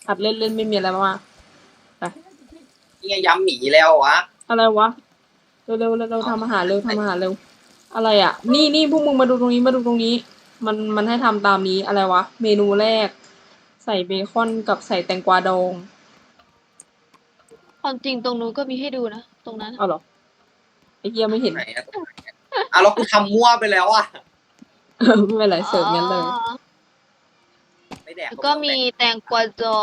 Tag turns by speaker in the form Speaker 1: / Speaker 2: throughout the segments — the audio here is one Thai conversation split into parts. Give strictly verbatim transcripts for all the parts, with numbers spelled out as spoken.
Speaker 1: หัดเล่นเล่นไม่มีอะไรมากไป
Speaker 2: นี่ไงย้ำหมีแล้ววะ
Speaker 1: อะไรวะเร็วเร็วเร็วเร็วทำอาหารเร็วทำอาหารเร็วอะไรอ่ะนี่นี่พวกมึงมาดูตรงนี้มาดูตรงนี้ มันมันให้ทำตามนี้อะไรวะเมนูแรก ใส่เบคอนกับใส่แตงกวาดอง
Speaker 3: ความจริงตรงนู้นก็มีให้ดูนะตรงนั้น
Speaker 1: เอาเหรอไอ้เหี้ยไม่เห็น
Speaker 2: ไหนอะตรงไหนอะอ่ะแล้วกูทำมั่วไปแล้วอ่ะ
Speaker 1: ไม่เป็นไรเสิร์ฟงั้นเลย
Speaker 3: อ๋อ
Speaker 2: ไม่แดก
Speaker 3: แล้วก็มีแตงกวาดอง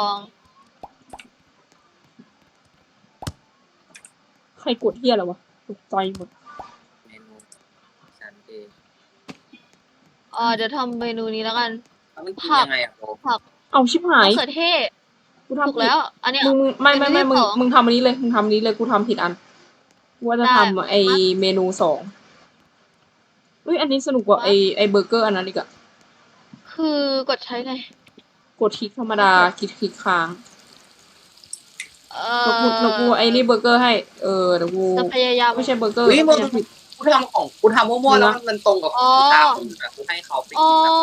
Speaker 1: ใครกดเหี้ยอะไรวะตกใจหมด
Speaker 2: เมนูฉันเอง
Speaker 3: เออเดี๋ยวทำเมนูนี้แล้วกัน
Speaker 2: แล้วมันกินยังไงอ่ะโบ
Speaker 3: ผัก
Speaker 1: เอาชิบหาม
Speaker 3: ะ
Speaker 1: ย
Speaker 3: เขือเทศ
Speaker 1: กู
Speaker 3: ถูก
Speaker 1: ทำผิด
Speaker 3: แล้ว อันเนี้ย
Speaker 1: มึงมึงไม่ไม่ไม่
Speaker 3: เมนู
Speaker 1: มึง
Speaker 3: ที่สอง
Speaker 1: มึงทำอันนี้เลยมึงทำอันนี้เลยกูทำผิดอันกูว่าจะ
Speaker 3: ได้
Speaker 1: ทำไอเมนูสองเฮ้ยอันนี้สนุกกว่าไอไอเบอร์เกอร์อันนั้นอีกอะ
Speaker 3: คือกดใช้ไง
Speaker 1: กดคลิกธรรมดาคลิกคลิกค้าง
Speaker 3: เอ
Speaker 1: เดี๋ยวกูเดี๋ยวกูไอ้นี่เบอร์เกอร์ให้ เออเดี๋ยวกู
Speaker 3: จะพยายาม
Speaker 1: ไม่ใช่เบอร์เกอร์
Speaker 2: เฮ้ยมึง
Speaker 1: พยายามผิด
Speaker 2: กูทำของกูทำมั่วๆแล้วมันตรงกับ
Speaker 3: อ๋อ
Speaker 2: ตาคนอื่นอะกูให้เขาไป
Speaker 3: อ๋อ
Speaker 2: กินอะ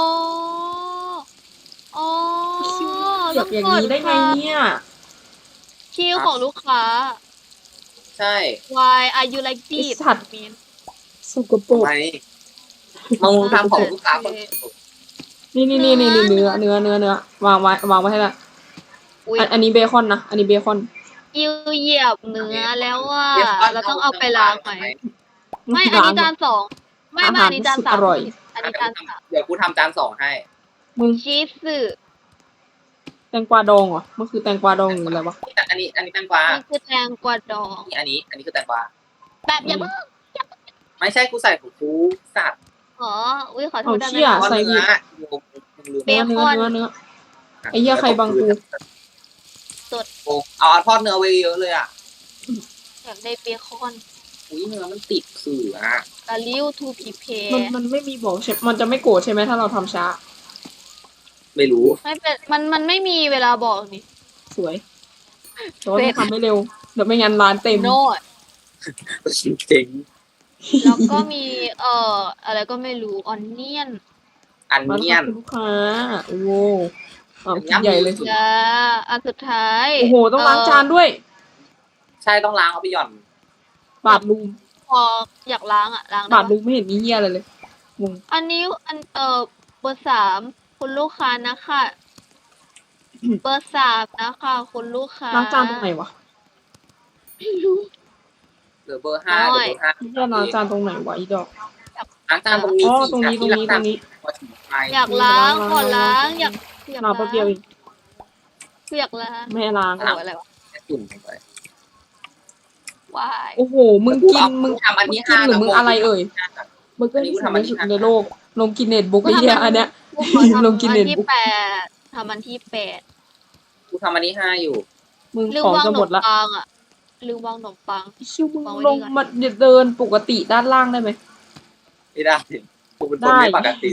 Speaker 3: อ๋อ
Speaker 1: อยากอย่างนี้ได้ไงเนี่ย
Speaker 3: คิวของลูกค้า
Speaker 2: ใช่
Speaker 3: Why are you like
Speaker 1: ไอ้
Speaker 3: this
Speaker 1: สัตว์
Speaker 3: mean
Speaker 1: สกปรก
Speaker 2: ทำไมมึงทำของลูกค้าคนอื่น
Speaker 1: นี่นี่นี่นี่นี่เนื้อเนื้อเนื้อเนื้อวางไว้วางไว้ให้ละ
Speaker 3: อุ๊ย
Speaker 1: อันอันนี้เบคอนนะอันนี้เบคอน
Speaker 3: คิวเหยียบเนื้อแล้วว่าเราต้องเอาไปล้างไหมไม่ อันนี้จานสองไม่ไม่อันนี้จานสามอันนี้จานสาม
Speaker 2: เดี๋ยวกูทำจานสองให้
Speaker 1: มึง
Speaker 3: ชีสสึ
Speaker 1: แตงกวาดองเหรอมันคือแตงกวาดองหรืออะไรวะ
Speaker 2: อันนี้อันนี้แตงกวา
Speaker 3: นี่คือแตงกวาดอง
Speaker 2: นี่อันนี้ อันนี้คือแตงกวา
Speaker 3: แบบอย่าเพิ่ง
Speaker 2: ไม่ใช่กูใส่ของกูสัตว์
Speaker 3: อ๋ออุ้ยขอโท
Speaker 1: เอา
Speaker 3: ษได้ไหม
Speaker 1: เชี่ย
Speaker 2: เพราะ
Speaker 1: ใส่
Speaker 2: เนื้
Speaker 1: ผิ
Speaker 2: อ
Speaker 1: ด
Speaker 2: มึงลืม
Speaker 3: เบ
Speaker 1: เนื้อ
Speaker 3: ค
Speaker 1: เนื้อ
Speaker 3: อน
Speaker 1: เนื้อเนื้อ ไอ้เหี้ยใครบังกู
Speaker 2: โอ้เอาทอดเนื้อไว้เยอะเลยอ่ะ
Speaker 3: อยากได้เบคอน
Speaker 2: อุ้ยเนื้อมันติดขื่ออ่ะ
Speaker 3: กะลิ้วทูพีเพ
Speaker 1: มันมันไม่มีบอกใช่มันจะไม่โกรธใช่ไหมถ้าเราทำช้า
Speaker 2: ไม่รู้
Speaker 3: ไม่เป็นมันมันไม่มีเวลาบอกนี่
Speaker 1: สวยแต่ว่าต้องทำให้เร็วเดี๋ยวไม่งั้นร้านเต็ม
Speaker 3: โน้ต
Speaker 2: เจ๋ง
Speaker 3: แล้วก็มีเอ่ออะไรก็ไม่รู้ออนเนียน
Speaker 2: อัน
Speaker 1: มา
Speaker 2: เนียน
Speaker 1: ลูกค้าโอ้โหเอาชิ้นใหญ่เลย
Speaker 3: จ้าอันสุดท้าย
Speaker 1: โอ้โหต้องล้างจานด้วย
Speaker 2: ใช่ต้องล้างเอาไปหย่อน
Speaker 1: บาดลูม
Speaker 3: พออยากล้างอ่ะล้างได้
Speaker 1: บาด
Speaker 3: ปะ
Speaker 1: ลูมไม่เห็นมีเหี้ยอะไรเลยงง
Speaker 3: อันนี้อันเอ่อเบอร์สามคุณลูกค้านะคะเบอร์สามนะคะคุณลูกค้า
Speaker 1: ล้างจานตรงไหนวะ
Speaker 3: ไม่รู้
Speaker 2: เหลือเบอร์ห้า
Speaker 3: น้
Speaker 2: เห
Speaker 3: อย
Speaker 2: ลือเบอร์ห้า
Speaker 1: เหี้ยล้างจานตรงไหนวะอีดอก
Speaker 2: ล้างจานตรงนี้
Speaker 1: อ๋อ
Speaker 2: สิ
Speaker 1: ตรงนี้ตรงนี้ตรงนี้
Speaker 3: อยากล้างขอล้างอยากอยาก
Speaker 1: ล้างแป๊บเดียวเอง
Speaker 3: คืออยากล้าง
Speaker 1: ไม่ให้ล้าง
Speaker 3: โอ้อะไรวะ
Speaker 2: จุ่มลงไป
Speaker 3: วาย
Speaker 1: โอ้โหมึงกินมึง
Speaker 2: ทำอัน
Speaker 1: มึง
Speaker 2: ที่
Speaker 1: กิ
Speaker 2: ห้าน
Speaker 1: หรือมึงอะไรเอ่ย
Speaker 2: ย
Speaker 1: เบอร์เกอร์ที่สุดในสุดในโลกลงกินเน็ตบุ๊กไอ้เหี้ยอันเนี้ย
Speaker 3: กูขอทำ
Speaker 1: ลงกิน
Speaker 3: อั
Speaker 1: เน็ต
Speaker 3: นที่
Speaker 1: บุ๊ก
Speaker 3: แปดทำอันที่แปด
Speaker 2: กูทำอันที่ห้าอยู่
Speaker 1: มึง
Speaker 3: ลืม
Speaker 1: ของ
Speaker 3: วาง
Speaker 1: จะ
Speaker 3: ขน
Speaker 1: หม
Speaker 3: ม
Speaker 1: ดละ
Speaker 3: ปังอ่ะลืมวางขนมปัง
Speaker 1: ชิวมึง
Speaker 3: วางไว้
Speaker 1: ล
Speaker 3: นี่
Speaker 1: ง
Speaker 3: ก่อน
Speaker 1: มาเดินปกติด้านล่างได้ไหม
Speaker 2: ไม่ได้กูเป็นคนไม่ปกติ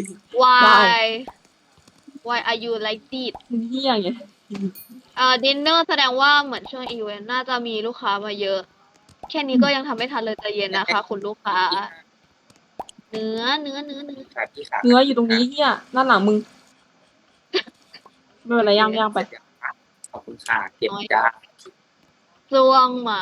Speaker 3: why why are you like this
Speaker 1: มึงเหี้ยไง
Speaker 3: เอ่อดินเนอร์แสดงว่าเหมือนช่วงอีเวนต์น่าจะมีลูกค้ามาเยอะ แค่นี้ก็ยังทำไม่ทันเลยใจเย็นนะคะ คุณลูกค้า เนื้อเนื้อเนื้อเนื้อ
Speaker 2: ขาที่ขา
Speaker 1: เนื้ออยู่ตรงนี้เหี้ยด้านหลังมึงไม่เป็นไรย่างย่างไป
Speaker 2: ขอบคุณค่ะเก็บจ้า
Speaker 3: ซวงหมา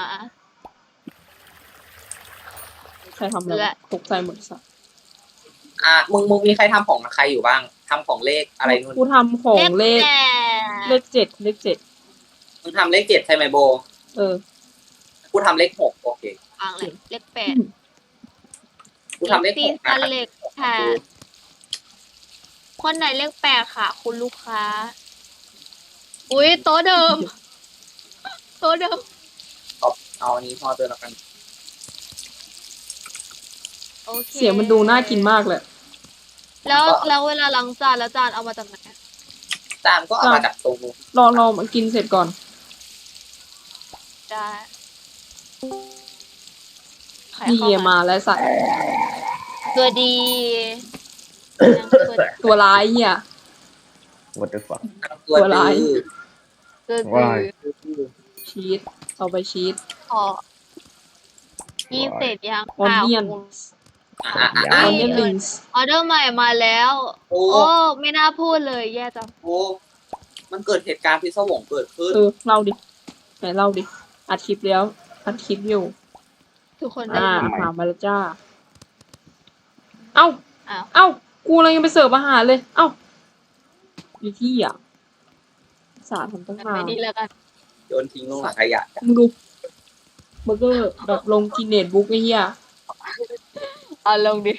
Speaker 1: ใครทำอะไร
Speaker 3: และ
Speaker 1: ตกใจหมดสัส
Speaker 2: อ่ะมึงมึงมีใครทำของใครอยู่บ้างทำของเลขอะไรนู่น
Speaker 1: กูทำของเลข
Speaker 3: แป
Speaker 1: เล
Speaker 3: ด
Speaker 1: ขเจ็ดเลขเจ็ด
Speaker 2: มึงทำเลขเจ็ดใช่ไหมโบ
Speaker 1: เออ
Speaker 2: กูทำเลขหกโอเค
Speaker 3: ฟังเลยเลขแปด
Speaker 2: กูทำเลขห
Speaker 3: ซี
Speaker 2: ก
Speaker 3: ซั
Speaker 2: นะ
Speaker 3: นเลขแปดคนไหนเลขแปดค่ะ คุณลูกค้า อุ้ยโต๊ะเดิม โต๊ะเดิม
Speaker 2: เอาอันนี้พอเตือนแล้วกัน
Speaker 3: โอเค
Speaker 1: เสียงมันดูน่ากินมากเลย
Speaker 3: แล้วแล้วเวลาล้างจานแล้วจานเอามาจากไหน
Speaker 2: จานก็เอามาจากตรงนู้น
Speaker 1: รอรอมันกินเสร็จก่อน
Speaker 3: ได้ใคร
Speaker 1: นี่
Speaker 3: เข้ามา
Speaker 1: มาแล้วสัตว์
Speaker 3: ตัวดีนางตัว
Speaker 1: ตัวร้ายเหี้ย
Speaker 4: What the fuck
Speaker 2: ตัว
Speaker 1: ตัวร้าย
Speaker 2: ดื้อ
Speaker 3: ตัว
Speaker 4: ว้าย
Speaker 3: ดี
Speaker 1: ชีสเอาไปชีส
Speaker 3: พอยี่เสร็จยัง
Speaker 1: ออนเนียน
Speaker 2: อ่ะอ่ะ
Speaker 1: อ
Speaker 2: อ่ะ
Speaker 1: อนเนียนลิงส์
Speaker 3: ออเดอร์ใหม่มาแล้ว
Speaker 2: โอ้
Speaker 3: โอ้ ไม่น่าพูดเลยแย่จัง
Speaker 2: โอ้มันเกิดเหตุการณ์พิศวงเกิดขึ้น
Speaker 1: เออเล่าดิไหนเล่าดิอัดคลิปแล้วอัดคลิปอยู่
Speaker 3: ทุกคนได้
Speaker 1: อ่า
Speaker 3: ยิน
Speaker 1: ถามมาแล้วจ้า เอ้า
Speaker 3: อ้าว
Speaker 1: เอ้า กูอะไรยังไปเสิร์ฟอาหารเลย เอ้าอยู่ที่อ่ะสาทำตั้ง
Speaker 3: งั้น
Speaker 1: นา
Speaker 3: ไป
Speaker 1: น
Speaker 3: นี่แล้วกัน
Speaker 2: โยนทิ้งลงถังขยะ
Speaker 1: มึงดูเบอร์เกอร์แบบลงกินเน็ตบุ๊กไอ้เหี้ย
Speaker 3: เอาลงดิ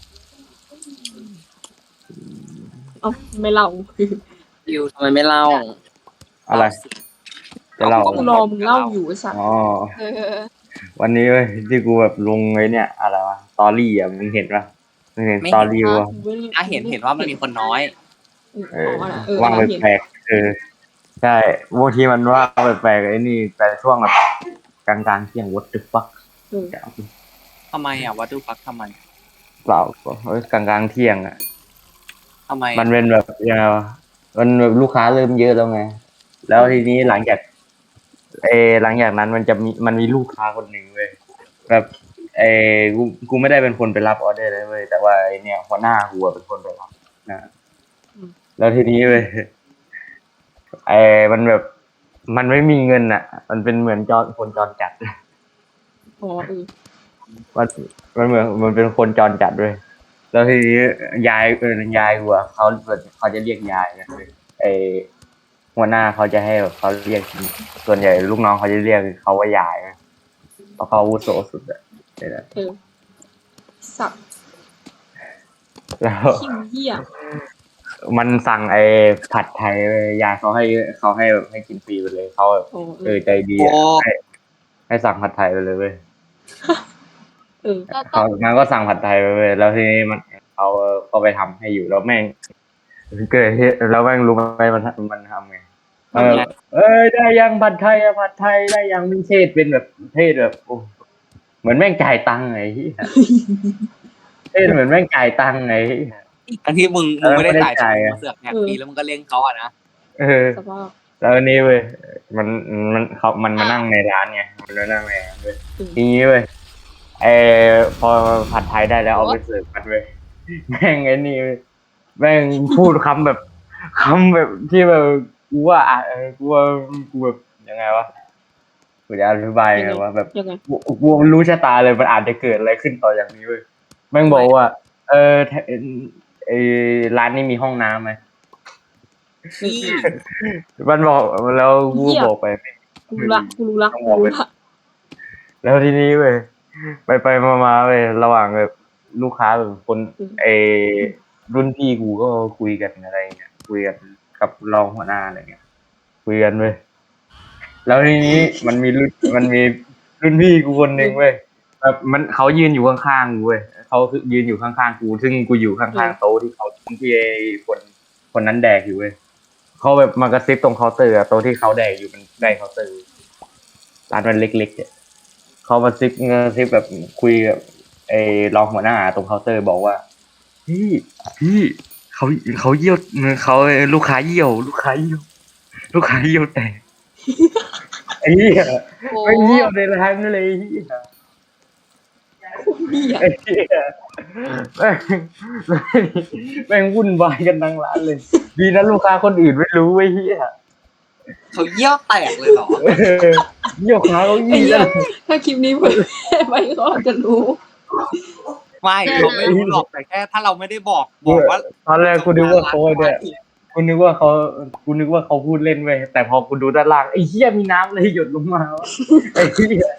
Speaker 1: เอ้าไม่เล่า
Speaker 2: ดิวทำไมไม่เล่า
Speaker 4: อะไร จะเล่า
Speaker 1: กูรอมึงเล่าอยู่ไอ้สัส
Speaker 4: อ๋อ
Speaker 3: เออ
Speaker 4: วันนี้เว้ยที่กูแบบลงไอ้เนี่ยอะไรวะสตอรี่อ่ะมึงเห็นปะมึงเห็น
Speaker 2: ไม่
Speaker 4: ส
Speaker 2: เห็น
Speaker 4: ตอรี่วะ
Speaker 2: อ่ะเห็นเห็นว่ามันมีคนน้อย
Speaker 1: เอ
Speaker 4: เอ
Speaker 1: อ
Speaker 4: อ
Speaker 1: อ๋อน่ะเออ
Speaker 4: ว่าง
Speaker 1: เราเห็น
Speaker 4: แปลกๆเออใช่บางทีมันว่างแปลกๆไอ้นี่แต่ช่วงแบบกลางๆเที่ยง what the fuck
Speaker 1: เออ
Speaker 2: ทำไมอ่ะวัตถุฟักทำไม
Speaker 4: เปล่าเฮ้ยกลางๆเที่ยงอ่ะ
Speaker 2: ทำไม
Speaker 4: มันเป็นแบบยังไงวะมันแบบลูกค้าเริ่มเยอะแล้วไง แล้วทีนี้หลังจากเออหลังจากนั้นมันจะมีมันมีลูกค้าคนหนึ่งเว้ยแบบเออกูกูไม่ได้เป็นคนไปรับออเดอร์เลยเว้ยแต่ว่าไอเนี่ยหัวหน้ากูอะเป็นคนไปรับนะแล้วทีนี้เว้ยไอมันแบบ มันไม่มีเงินอ่ะ มันเป็นเหมือนจอคนจรจัด
Speaker 1: อ๋อเออ
Speaker 4: มันมันเหมือนมันเป็นคนจรจัดด้วย แล้วทีนี้ยายเออยายกูอะเขาเขาจะเรียกยายนะไอหัวหน้าเขาจะให้แบบเขาเรียกส่วนใหญ่ลูกน้องเขาจะเรียกเขาว่ายายนะเพราะเขาอาวุโสสุดอะเนี่ยนะ
Speaker 1: เออสับ
Speaker 4: แล้ว
Speaker 1: ขี้เหี้ย
Speaker 4: มันสั่งไอ้ผัดไทยเว้ยยายเขาให้เขาให้แบบให้กินฟรีไปเลยเขาแบบ
Speaker 1: อ๋อเอ
Speaker 4: เอ
Speaker 1: อ
Speaker 4: อใจดีอะให้ให้สั่งผัดไทยไปเลยเว้ย
Speaker 1: เออ
Speaker 3: ก็ต้
Speaker 4: เขา
Speaker 3: อง
Speaker 4: มันก็สั่งผัดไทยไปเลยแล้วทีนี้มันเขาก็ไปทำให้อยู่แล้วแม่งเกิดเหตุแล้วแม่งรู้ไหมมันมันทำไงเออเอ้ยได้ยังผัดไทยอะผัดไทยได้ยังมีเทศเป็นแบบเทศแบบโอ้เหมือนแม่งจ่ายตังค์ไงเหี้ยเทศเหมือนแม่งจ่ายตังค์ไงเหี้ย
Speaker 2: ทั้งที่มึงมึงไม่ได้จ่าย
Speaker 4: เออไม่ได้จ่าย
Speaker 2: มึงมาเสือกแหกฟรีแล้วมึงก็เลี้ยงเขาอ่ะนะ
Speaker 4: เออ
Speaker 1: สภาพ
Speaker 4: แล้วอันนี้เว้ยมันมันเขามันมานั่งในร้านไงมันมานั่งในร้านเว้ย
Speaker 1: อืม
Speaker 4: ทีนี้เว้ยไอพอผัดไทยได้แล้วเอาไปเสิร์ฟกันเว้ยแม่งไอ้นี่เว้ยแม่งพูดคำแบบคำแบบที่แบบกูว่าอ่ะเออกูว่ากูแบบยังไงวะกูจะอธิบายยังไงวะแบบ
Speaker 1: ยังไง
Speaker 4: กูกูรู้ชะตาเลยมันอาจจะเกิดอะไรขึ้นต่ออย่างนี้เว้ยแม่งบอกว่า เออแถเออร้านนี้มีห้องน้ำไหม
Speaker 2: พี่
Speaker 4: มันบอกแล้วกูบอกไป
Speaker 1: กูรู้ละกูรู้ละกูรู้ละ
Speaker 4: แล้วทีนี้เว้ยไปไปมามาเว้ยระหว่างแบบลูกค้าแบบคนเออรุ่นพี่กูก็คุยกันอะไรเงี้ยคุยกันกับรองหัวหน้าอะไรเงี้ยคุยกันเว้ยแล้วทีนี้มันมีรุ่นมันมีรุ่นพี่กูคนหนึ่งเว้ยแบบมันเขายืนอยู่ข้างๆกูเว้ยเขาคือยืนอยู่ข้างๆกูซึ่งกูอยู่ข้างๆโต๊ะที่เขาที่ไอ้คนคนนั้นแดกอยู่เว้ยเขาแบบมากระซิบตรงเคาน์เตอร์อะโต๊ะที่เขาแดกอยู่มันใกล้เคาน์เตอร์ร้านมันเล็กๆเนี่ยเขามาซิปเงซิปแบบคุยกับไอ้รองหัวหน้าตรงเคาน์เตอร์บอกว่าพี่พี่เขาเขาเยี่ยวเขาลูกค้าเยี่ยว ลูกค้าเยี่ยว ลูกค้าเยี่ยวแตกไอ้เหี้ย
Speaker 3: โอ้
Speaker 4: ไม่เยี่ยวในร้านเลยไอ้เหี้ย
Speaker 1: เหี้ย
Speaker 4: ไอ้เหี้ยแม่งแม่งวุ่นวายกันทั้งร้านเลย ดีนะลูกค้าคนอื่นไม่รู้ไอ้เหี้ย
Speaker 2: เขาเยี่ยวแตกเลยเหรอ
Speaker 4: เออเยี่ยวขาเขา
Speaker 1: ไอ้
Speaker 4: ยี่
Speaker 1: เหี้ย
Speaker 4: แล้ว
Speaker 1: ถ้าคลิปนี้เผยแพร่ไปก็จะรู้
Speaker 2: ไม่เราไม่รู้หรอกแต่แค่ถ้าเราไม่ได้บอกบอกว่า
Speaker 4: ตอนแรกกูนึกว่าเขาเนี่ยกูนึกว่าเขากูนึกว่าเขาพูดเล่นเว้ยแต่พอกูดูด้านล่างไอ้เหี้ยมีน้ำเลยหยดลงมาวะไอ้เหี้ย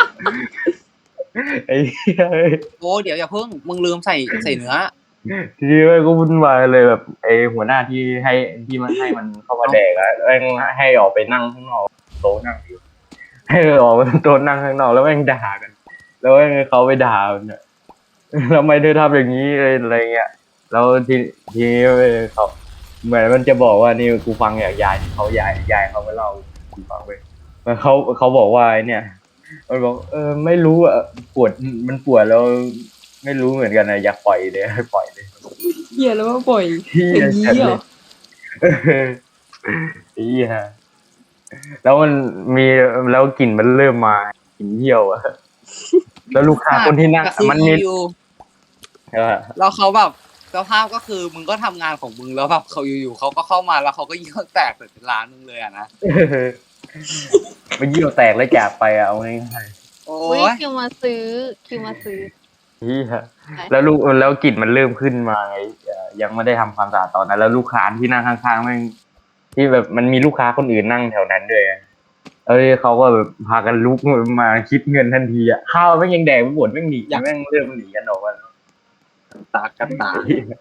Speaker 4: ไอ้เหี้ย
Speaker 2: โอ้เดี๋ยวอย่าเพิ่งมึงลืมใส่ใส่เนื้อ
Speaker 4: ทีนี้เว้ยก็วุ่นวายเลยแบบไอ้หัวหน้าที่ให้ที่มันให้มันเข้ามาแดกอะแม่งให้ออกไปนั่งข้างนอกโต๊ะนั่งอยู่ให้ออกไปโต๊ะนั่งข้างนอกแล้วแม่งด่ากัน แล้วแม่งเขาไปด่าเนี่ยทำไมเธอทำอย่างนี้อะไรเงี้ยแล้วทีทีนี้เว้ยเขาเหมือนมันจะบอกว่านี่กูฟังจากยายเขายายยายเขาไปเล่ากูฟังไปแล้วเขาเขาบอกว่าไอ้เนี่ยมันบอกเออไม่รู้อะปวดมันปวดแล้วไม่รู้เหมือนกันนะอยากปล่อยเลยให้ปล่อยเลย
Speaker 1: เหี้ยแล้วมาปล่อย
Speaker 4: เหี้ย
Speaker 1: อย่างนี้เหรอ
Speaker 4: เออเหี้ยแล้วมันมีแล้วกลิ่นมันเริ่มมากลิ่นเยี่ยวอะแล้วลูกค้าคนที่นั่งมันมี
Speaker 2: อยู่
Speaker 4: เออ
Speaker 2: แล้วเขาแบบไปสภาพก็คือมึงก็ทำงานของมึงแล้วแบบเขาอยู่ๆเขาก็เข้ามาแล้วเขาก็เยี่ยวแตกใส่ร้านมึงเลยอะนะ
Speaker 4: มันเยี่ยวแตกแล้วจากไปอะเอาง่าย
Speaker 2: โอ้
Speaker 3: อุ้ย
Speaker 2: ย
Speaker 3: คิวมาซื้อคิวมาซื้อ
Speaker 4: ๆเหี้ยแล้วลูกแล้วกลิ่นมันเริ่มขึ้นมาไงเอ่อยังไม่ได้ทำความสะอาดตอนนั้นแล้วลูกค้าที่นั่งข้างๆแม่งที่แบบมันมีลูกค้าคนอื่นนั่งแถวนั้นด้วยไงเอ้ยเขาก็แบบพากันลุกมาคิดเงินทันทีอะข้าวแม่งยังแดกไม่หมดแม่งหนีแม่งเริ่มหนีกันออกมา
Speaker 2: ตากกันตา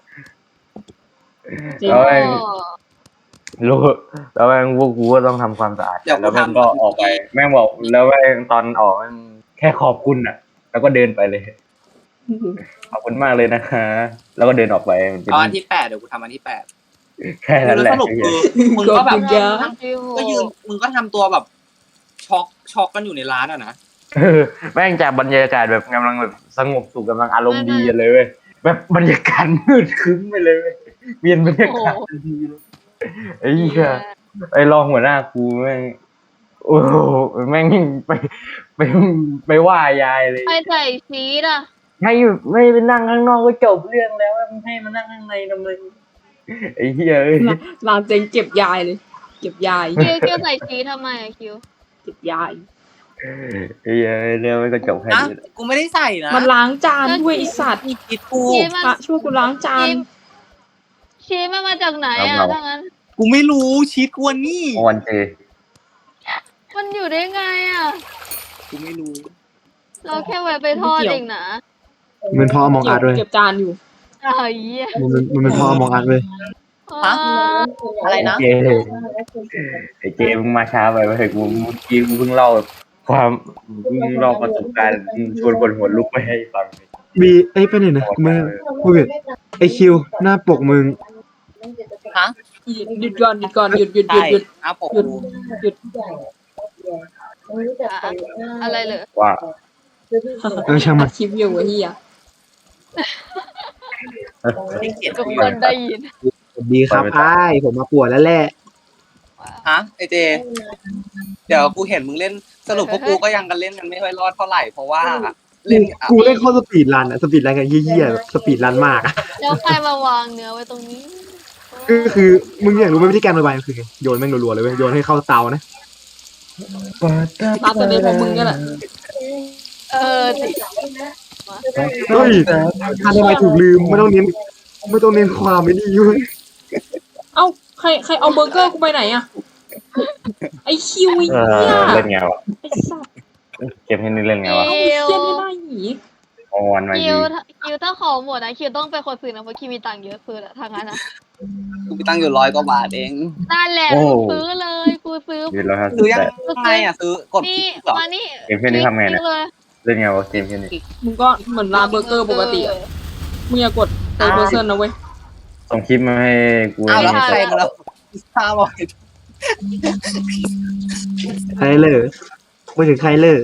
Speaker 1: จริง
Speaker 4: แล้วแม่งรู้แล้วแม่งพวกกูก็ต้องทำความสะอาดกันแล้วแม่งก็ออกไป แม่งบอกแล้วแม่งตอนออกแม่งแค่ขอบคุณอ่ะ แล้วก็เดินไปเลยขอบคุณมากเลยนะคะแล้วก็เดินออกไปมันเป็น
Speaker 2: เอาอันที่แปดเดี๋ยวกูทำอันที่แปด
Speaker 4: แค่นั้นแห
Speaker 2: แล้
Speaker 4: ละ
Speaker 2: วสรุปคือมึงก็แบบ
Speaker 1: ขอบคุณครับ
Speaker 2: ก็ยืนมึงก็ทำตัวแบบช็อกช็อกกันอยู่ในร้านอะนะ
Speaker 4: เออแม่งจากบรรยากาศแบบกำลังแบบสงบสุขกำลังอารมณ์ดีกันเลยเว้ยแบบบรรยากาศมืดครึ้มไปเลยเว้ยเปลี่ยนบรรยากาศทันทีเลยไอ้เหี้ย ไอ้รองหัวหน้ากูแม่งโอ้โหแม่งไปไปไปว่ายายเลย
Speaker 3: ใครใส่ชีสอ่ะ
Speaker 4: ให้ไม่ไปนั่งข้างนอกก็จบเรื่องแล้วมึงให้มานั่งข้างในทำไมไอ้เหี้ยเอ้ย
Speaker 1: ร้านเจ๊งเก็บยายเลย เก็บยาย
Speaker 3: คิวคิวใส่ชีสทำไมอะคิว
Speaker 1: เก็บยาย
Speaker 4: ไอ้เหี้ยเรื่องมันก็จบแค่
Speaker 2: นะ
Speaker 4: นี้
Speaker 2: กูไม่ได้ใส่นะ
Speaker 1: มันล้างจานด้วยไอสัตว์
Speaker 2: คิดกู
Speaker 3: ชีสมัน
Speaker 1: พระช่วยกูล้างจาน
Speaker 3: ชีสมันมาจากไหนอ่ะถ้างั้น
Speaker 2: กูไม่รู้ชีสกวนนี่
Speaker 4: วันเจ
Speaker 3: มันอยู่ได้ไงอ่ะ
Speaker 2: กูไม่รู้
Speaker 3: เราแค่ไว้ไปทอดเองนะ
Speaker 5: มันเป็นพ่อมองอาร์ตเว้ย
Speaker 1: เก็บจานอยู่
Speaker 3: อ้าวเหี้ย
Speaker 5: มันเป็นมันเป็นพ่อมองอาร์ตเว้ย
Speaker 2: ฮะ อะไรนะ
Speaker 4: เจไอ้เจมึงมาช้าไปเว้ยกูเมื่อกี้กูเพิ่งเล่าความเพิ่งเล่าประสบการณ์ชวนคนหัวลุกไปให้ฟัง
Speaker 5: บีเอ้ยไปไหนนะกูไม่พูดผิดไอคิวหน้าปกมึง
Speaker 2: ฮะ
Speaker 1: หยุดก่อนหยุดก่อนหยุดหยุดหยุ
Speaker 2: ใช่
Speaker 1: ดหยุด
Speaker 2: อ้าปก
Speaker 1: หยุด
Speaker 2: กู
Speaker 1: หยุด
Speaker 3: อะอะไรเลย
Speaker 4: ว่า
Speaker 5: เออช่างมัน
Speaker 1: คลิปอยู่ไอ้เหี้ย
Speaker 2: ไม่เกลียด
Speaker 3: ทุก
Speaker 2: กูอ
Speaker 3: ค
Speaker 2: ยู่
Speaker 3: นได้ยิน
Speaker 5: สวัสดีครับไอ้ายผมมาปวดแล้วแหละ
Speaker 2: ฮะไอเจ เดี๋ยวกูเห็นมึงเล่นสรุปพวกกูก็ยังกันเล่นกันไม่ค่อยรอดเท่าไหร่เพราะว่าเล่นอ่ะ
Speaker 5: กูเล่นข้อสปีดรันอะสปีดรันกันเยี่ยๆแบบสปีดรันมากอะ
Speaker 3: แล้วใครมาวางเนื้อไว้ตรงนี้
Speaker 5: ก็คือมึงอยากรู้ไหมวิธีการระบายมันคือไงโยนแม่งรัวๆเลยเว้ยโยนให้เข้าเตานะ
Speaker 1: ตาจะได้ของมึงนี่แหละ
Speaker 3: เออสิ
Speaker 5: เฮ้ยการระบายถูกลืมไม่ต้องเน้นไม่ต้องเน้นความไม่ดีเว้ย
Speaker 1: เอ้าใครใครเอาเบอร์เกอร์กูไปไหนอะไอคิวไอ้
Speaker 4: เอ
Speaker 1: เหี้ย
Speaker 4: อเล่นไงวะ
Speaker 1: ไอสัตว์
Speaker 4: เกมที่นี่เล่นไงวะ
Speaker 1: ไอ้เหี้ยนี่ได้หนี
Speaker 4: ออนมา
Speaker 3: คิ
Speaker 4: ดี
Speaker 3: วถ้าคิวถ้าของหมดนะคิวต้องเป็นคนซื้อนะเพราะคิวมีตังค์เยอะซื้ออะทางนั้นนะ
Speaker 2: กูมีตั้งอยู่ร้อยกว่าบาทเอง
Speaker 3: นั่นแหละกูซื้อเลยกูซื้อ
Speaker 4: ยืนแล้วครับ
Speaker 2: ซื้อยังไงอ่ะซื้อกด
Speaker 3: นี่
Speaker 2: คลิกเหรอ
Speaker 3: มานี่
Speaker 4: เกมแค่นี้ทำไงเนี่ย
Speaker 3: เลย
Speaker 4: เล่นไงวะเกมแค่นี้
Speaker 1: มึงก็เหมือนร้านเบอร์เกอร์ปกติอะมึงอย่ากดเตอร์เบอร์เซนนะเว้ย
Speaker 4: ส่งคลิปมาให้กู
Speaker 2: อ้าวแล้ว
Speaker 4: ไม่
Speaker 2: ใคร
Speaker 4: ใช่
Speaker 2: กันแล้วพิซซ่าบอก
Speaker 5: ใครเลยไม่ถึงใครเลย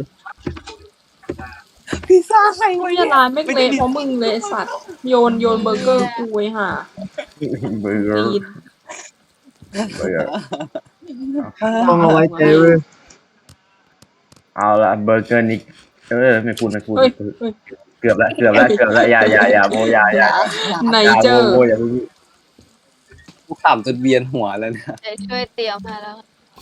Speaker 2: พิซซ่าใครวะ
Speaker 1: เหี้ยร้านไม่งเละเพราะมึงเลยไอ้สัตว์โยนโยนเบอร์เกอร์กูไว้ห่า
Speaker 4: เบอร์เกอร์
Speaker 1: ตีน
Speaker 4: เบอร์เกอร์
Speaker 5: ต้องเอาไว้ใจเว้ย
Speaker 4: เอาละเบอร์เกอร์นิกเออไม่พูดไม่พูด
Speaker 1: เฮ้ยเฮ้ย
Speaker 4: เกือบละเกือบละเกือบละอย่าอย่าอย่าโมอย่าอย่า
Speaker 1: ไหน
Speaker 4: อย่า
Speaker 1: เจ
Speaker 4: โม
Speaker 1: อ
Speaker 4: โมอย่าพูด
Speaker 2: กูขำจนเวียนหัวแล้วเนี่ย
Speaker 3: เดี๋ยวช่วยเตรียมมาแล้ว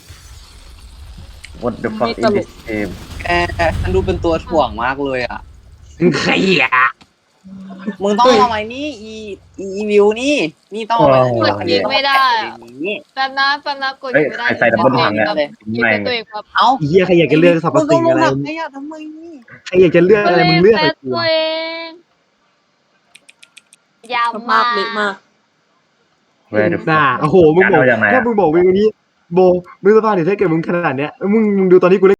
Speaker 4: what the fuck is this game
Speaker 2: แกฉันดูเป็นตัวถ่วงมากเลยอ่ะ
Speaker 5: ใครอ่ะ
Speaker 2: มึงต้องเอาไว้นี่อีอีอีวิวนี่ นี่ต้องเอาไว้
Speaker 4: โอ้
Speaker 3: กดยิงไม่ได้อะ
Speaker 2: นี่
Speaker 3: แป๊บนะแป๊บนะกด
Speaker 4: เฮ้ย
Speaker 3: ยิงไม่ได้
Speaker 4: ใครใส่ดับเบิลพังเนี่ย
Speaker 3: ยิงเป็นตัวเองครับ
Speaker 2: เอ้า
Speaker 5: ไอ้เหี้ยใครอยากจะเลือกสรรพ
Speaker 2: มึงต้
Speaker 5: สิ่
Speaker 2: อง
Speaker 5: ง
Speaker 2: ล
Speaker 5: อะ
Speaker 2: ง
Speaker 5: ไร
Speaker 2: หลังให้อ่ะทำไมนี่
Speaker 5: ใครอยากจะเลือกอะไรมึงเลือก
Speaker 3: แฟ
Speaker 5: ไอ้
Speaker 3: น
Speaker 5: กู
Speaker 3: ตัวเองยาว
Speaker 1: ส
Speaker 3: มา
Speaker 1: ภาก พเละมาก
Speaker 4: Where the
Speaker 5: น่า
Speaker 4: fuck
Speaker 5: โอ้โหมึงบอก
Speaker 4: เอาจากไหนอะ
Speaker 5: ถ้ามึงบอกมึงวันนี้โบมึงสภาพเนี่ยถ้าเกิดมึงขนาดเนี้ยมึงมึงดูตอนนี้กูเล่น